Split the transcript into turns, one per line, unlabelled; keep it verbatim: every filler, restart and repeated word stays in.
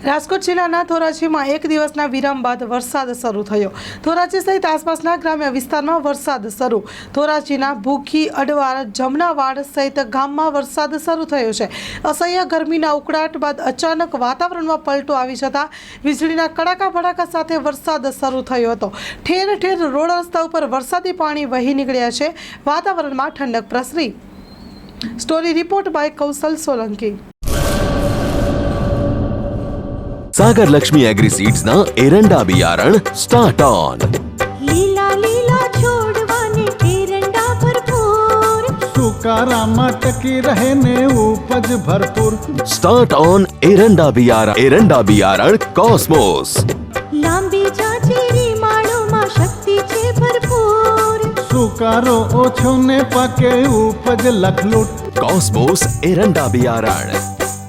રાજકોટ જિલ્લાના ધોરાજીમાં એક દિવસના વિરામ બાદ વરસાદ શરૂ થયો। ધોરાજી સહિત આસપાસના ગ્રામ્ય વિસ્તારમાં વરસાદ શરૂ। ધોરાજીના ભૂખી, અડવાર, જમનાવાડ સહિત ગામમાં વરસાદ શરૂ થયો છે। અસહ્ય ગરમીના ઉકળાટ બાદ અચાનક વાતાવરણમાં પલટો આવી જતા વીજળીના કડાકા ભડાકા સાથે વરસાદ શરૂ થયો હતો। ઠેર ઠેર રોડ રસ્તા ઉપર વરસાદી પાણી વહી નીકળ્યા છે। વાતાવરણમાં ઠંડક પ્રસરી। Story report by Kaushal Solanki.
Sagar Lakshmi agri seeds ना एरंडा बियारण स्टार्ट ऑन।
લીલા લીલા છોડવાને એરંડા ભરપૂર,
સુકારામાં ટકી રહે ને ઉપજ ભરપૂર।
स्टार्ट ऑन एरंडा बियारण एरंडा बियारण कॉस्मोस।
લાંબી જાચેરી માળોમાં શક્તિ છે ભરપૂર,
સુકારો ઓછો ને પાકે ઉપજ લખલૂટ।
कॉस्मोस एरंडा बियारण।